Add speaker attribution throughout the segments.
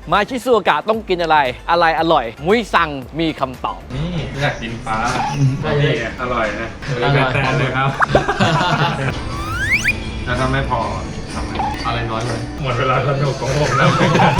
Speaker 1: มาชิซูโอกะต้องกินอะไรอร่อยมุ้ยสั่งมีคำตอบ
Speaker 2: นี่อยากกินปลานี่อร่อยนะแต่เลยครับแล้วถ้าไม่พอทำไงอะไรน้อยเลยหมดเวลาสนุกของผมแล้ว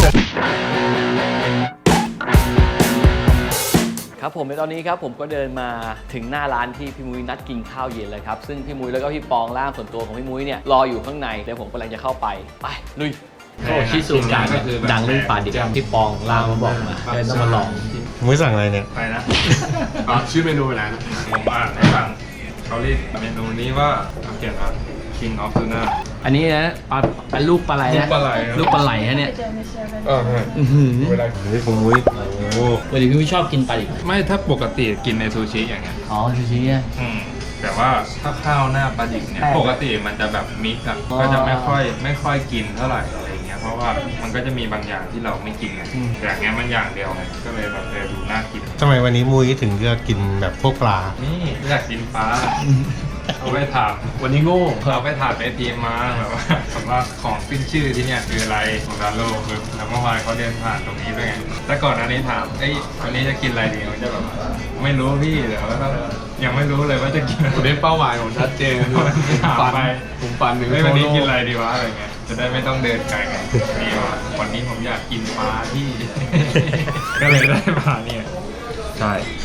Speaker 1: ครับผมในตอนนี้ครับผมก็เดินมาถึงหน้าร้านที่พี่มุ้ยนัดกินข้าวเย็นเลยครับซึ่งพี่มุ้ยแล้วก็พี่ปองล่ามส่วนตัวของพี่มุ้ยเนี่ยรออยู่ข้างในเดี๋ยวผมกำลังจะเข้าไปลุยโอ้ชิซูโอกะดังเรื่องปลาดิบที่ปองล่ามมาบอกมาเลยต้องมาลอง
Speaker 3: มุ้ยสั่งอะไรเนี่ย
Speaker 2: ไปนะ
Speaker 4: ชื่อเมนูอะไรนะ
Speaker 2: ผมอ่านให้ฟังเขาเรียกเมนูนี้ว่าเขียนว่า King of Tuna
Speaker 1: อันนี้นะเป็นลูกปลาไหลนะ
Speaker 2: ลูกปลาไหล
Speaker 1: ลูกปลาไหลฮะเนี่ย
Speaker 4: เวลา
Speaker 3: นี่ของมุ้ยโอ้
Speaker 1: วันนี้พี่มุ้ยชอบกินปลาดิบ
Speaker 2: ไม่ถ้าปกติกินในซูชิอย่างเงี้ย
Speaker 1: อ๋อซูชิอ่ะ
Speaker 2: แต่ว่าถ้าข้าวหน้าปลาดิบเนี่ยปกติมันจะแบบมิกซ์อะก็จะไม่ค่อยกินเท่าไหร่อะไรเงี้ยเพราะว่ามันก็จะมีบางอย่างที่เราไม่กินไงแต่อย่างเงี้ยมันอย่างเดียวไงก็เลยแบบดูน่ากิน
Speaker 3: ทำไมวันนี้มุ้ยถึงเลือกกินแบบพวกปลา
Speaker 2: นี่อยากกินปลาเอาไปถาม
Speaker 4: วันนี้โง่
Speaker 2: เราไปถามทีมมาแบบว่าของขึ้นชื่อที่เนี่ยคืออะไรของร้านโลกคือแล้วเมื่อวานเขาเดินผ่านตรงนี้ด้วยไงแต่ก่อนอันนี้ถามวันนี้จะกินอะไรดีมันจะแบบไม่รู้พี่เดี๋ยวก็ต้องยังไม่รู้เลยว่าจะกิน
Speaker 4: วันนี้เป้าหมายผมชัดเจน
Speaker 2: ถามไป
Speaker 4: ผมปั่นหนึ่ง
Speaker 2: วันนี้กินอะไรดีวะอะไรเงี้ยจะได้ไม่ต้องเดินไกลไงนี่ว่าวันนี้ผมอยากกินปลาที่ ก็เลยได้ปลาเนี่ยใช่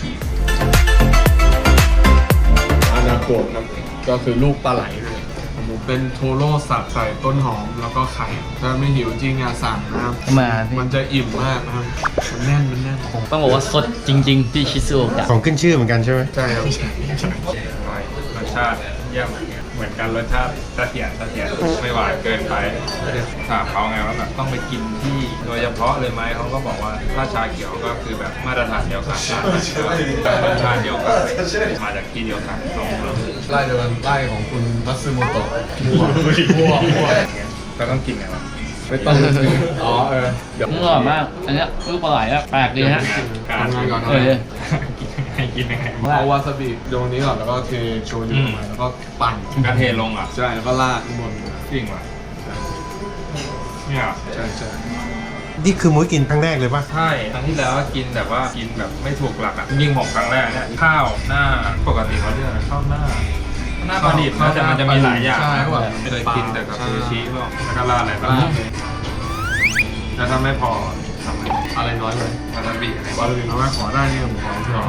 Speaker 4: อานาโกะครับก็คือลูกปลาไหลเลยผมเป็นโทโร่สับใส่ต้นหอมแล้วก็ไข่ถ้าไม่หิวจริงสั่งนะครับ
Speaker 1: มา
Speaker 4: มันจะอิ่มมากนะครับมันแน่น
Speaker 1: ต้องบอกว่าสดจริงๆที่ชิซูโอกะ
Speaker 3: ของขึ้นชื่อเหมือนกันใช่ไหม
Speaker 4: ใช่ครับ
Speaker 2: รสชาติเยี่ยมเหมือนกันรสชาติเสถียรไม่หวานเกินไปถามเขาไงว่าแบบต้องไปกินที่โดยเฉพาะเลยไหมเขาก็บอกว่าถ้าชาเขียวก็คือแบบมาตรฐานเดียวกันรสชาติเดียวกันมาจากที่เดียวกันตรง
Speaker 4: ไล่เดินไล่ของคุณมัตสึโมโตะ
Speaker 2: มั่วก็ต้องกินไงวะ
Speaker 4: ไม่ต้องอ๋อเดี๋ยว
Speaker 1: อร่อยมากอันนี้ลูกปลาไหลอะแปลกดีฮะ
Speaker 2: การ
Speaker 4: ทำงานก่อน
Speaker 2: กินยังไง
Speaker 4: เอาวาซาบิโยนนี้ก่อนแล้วก็เทโชยุลงไปแล้วก็ปั่น
Speaker 2: กระเทลงอ่ะ
Speaker 4: ใช่แล้วก็ราดข้างบน
Speaker 2: จริงว่ะเนี่ย
Speaker 4: ใช่
Speaker 3: นี่คือมุ้ยกินครั้งแรกเลยปะ
Speaker 2: ใช่ครั้งที่แล้วกินแบบว่ากินแบบไม่ถูกหลักอ่ะยิ่งผมครั้งแรกเนี่ยข้าวหน้าปกติเขาเรียกอะไรข้าวหน้าปลาดิบนะแต่มันจะมีหลายอย่างนะแบบไม่เคยกินแต่กับซูชิพวกแล้วก็ราดอะไรบ้างแล้วถ้าไม่พอทำไง
Speaker 4: อะไรน้อยเลยว
Speaker 2: าซาบิอะไร
Speaker 4: วาซาบิน้อยขอได้เนี่ยผมขอพี่หรอ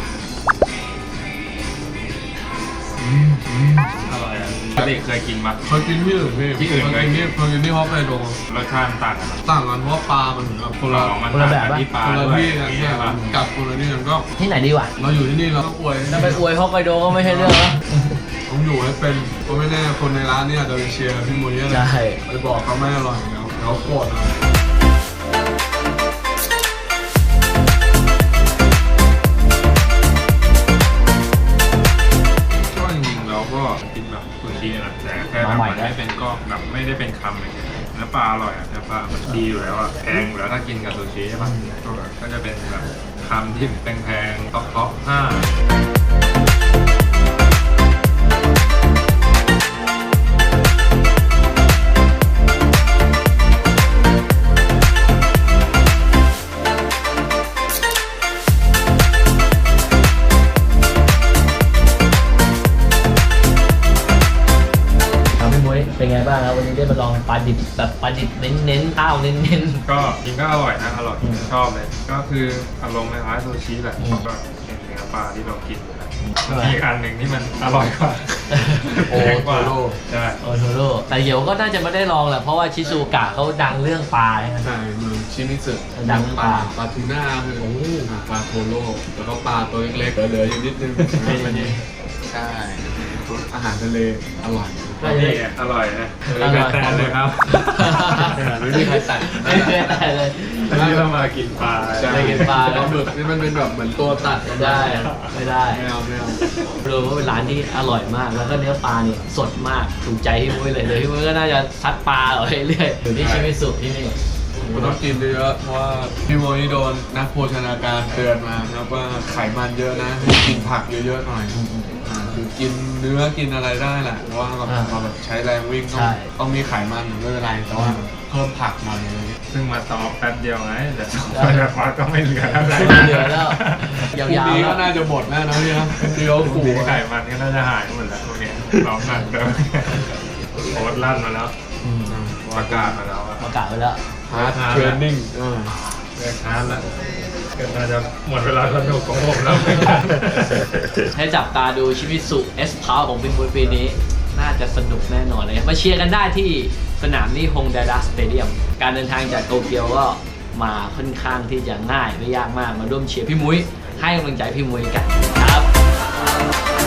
Speaker 2: อร่อยอ่ะปกติเคยกินปะ
Speaker 4: เคยกินที่อื่นพี่
Speaker 2: ที่อื่น
Speaker 4: เคยกินที่ฮอกไกโด
Speaker 2: รสชาติต่างกัน
Speaker 4: ต่างกันเพราะว่าปลามันเหมือนกับคนละ
Speaker 2: มันต่างกันที่ปลา
Speaker 4: คนละ
Speaker 2: ด้วย
Speaker 4: ที่กันเนี่ย
Speaker 2: ใช่ปะ
Speaker 4: กับคนละที่กันก็
Speaker 1: ที่ไหนดีวะ
Speaker 4: เราอยู่ที่นี่เราต้องอวย
Speaker 1: ถ้าไปอวยฮอกไกโดก็ไม่ใช่เรื่องแล้ว
Speaker 4: ผมอยู่ให้เป็นเพราะไม่แน่คนในร้านเนี่ยจะไปเชียร์พี่มุ้ยอะไร
Speaker 1: ใช่
Speaker 4: ไปบอกเขาไม่อร่อยเดี๋ยวเขาโกรธเอา
Speaker 2: ก็จริงๆเราก็กินแบบซูชินะแต่แค่แบบมันไม่เป็นก็แบบไม่ได้เป็นคำเลยเนื้อปลาอร่อยอ่ะเนื้อปลามันดีอยู่แล้วอ่ะแพงอยู่แล้วถ้ากินกับซูชิใช่ปะก็จะเป็นแบบคำที่แพงๆท็อป5
Speaker 1: เป็นไงบ้างครับวันนี้ได้มาลองปลาดิบแบบปลาดิบเน้นๆข้าวเน้น
Speaker 2: ก็กินก็อร่อยนะอร่อยชอบเลยก็คืออารมณ์คล้ายๆซูชิแหละก็เป็นเนื้อปลาที่เรากินอีกอันหนึ่งที่มันอร่อยกว่า
Speaker 4: โอ้
Speaker 2: แพงกว่า
Speaker 4: โทโร่
Speaker 2: ใช่
Speaker 1: ๆโอโทโร่แต่เดี๋ยวก็น่าจะไม่ได้ลองแหละเพราะว่าชิซูโอกะเขาดังเรื่องปลาใช่ไหม
Speaker 4: ใช่เมืองชิมิสึ
Speaker 1: ดังปลา
Speaker 4: ปลาทูน่าคือปลาโทโร่แล้วก็ปลาตัวเล็กๆเหลืออยู่นิดนึงใช่อาหารทะเลอร่อย
Speaker 2: นี่อร่อยนะแต่เลยครับ
Speaker 4: ไม่มีใครตัด
Speaker 1: ไม่ได้เลย
Speaker 2: อันนี้เรามากินปลา
Speaker 4: ใช่
Speaker 1: ไม่กินปลา
Speaker 4: ปลาหมึกนี่มันเป็นแบบเหมือนตัวตัด
Speaker 1: ไม่ได้ไม่ได้
Speaker 4: ไม่เอา
Speaker 1: รวมว่าเป็นร้านที่อร่อยมากแล้วก็เนื้อปลาเนี่ยสดมากถูกใจพี่มุ้ยเลยเดี๋ยวพี่มุ้ยก็น่าจะซัดปลาเอาเรื่อยๆอยู่ที่ชิมิสุที่นี่
Speaker 4: ผมต้องกินเยอะเพราะว่าพี่โมนี่โดนนักโภชนาการเตือนมาครับว่าไขมันเยอะนะให้กินผักเยอะๆหน่อยคือกินเนื้อกินอะไรได้แหละเพราะว่าแบบมาแบบใช้แรงวิ่งต้องมีไขมันไม่เป็นไรแต่ว่าเพิ่มผักหน่อยอะไรเงี้ย
Speaker 2: ซึ่งมาซ้อมแป๊บเดียวไงแต่ซ้อมไปแบบว่าก็ไม่เหลืออะไร
Speaker 1: ไม่เหลือแล้ว ยา
Speaker 4: พรุ่ง
Speaker 1: ว
Speaker 4: นี้
Speaker 1: ๆแล้
Speaker 4: ก็
Speaker 1: ว
Speaker 4: น่าจะหมดแน่นะพี่นะที่เขา
Speaker 2: ขู่
Speaker 4: ขู่
Speaker 2: ไข่มันก็น่าจะหายหมดแล้วพวกเนี้ยซ้อมหนักเดิมโค้ดลั่นมาแล้ว
Speaker 1: อืม
Speaker 2: ประกาศมาแล้วอะ
Speaker 1: ประกาศไว้แล้ว
Speaker 4: ฮาร์ดเทรนนิ่ง
Speaker 2: เลิกฮาร์ดแล้วก็น่าจะหมดเวลาสนุกของผมแล้วเหมือนกัน
Speaker 1: ให้จับตาดูชิมิสุเอสพาวของพี่มุ้ยปีนี้ น่าจะสนุกแน่นอนเลยมาเชียร์กันได้ที่สนามนี้ฮงไดดะสเตเดียมการเดินทางจากโตเกียวก็มาค่อนข้างที่จะง่ายไม่ยากมากมาร่วมเชียร์พี่มุ้ยให้กำลังใจพี่มุ้ยกันครับ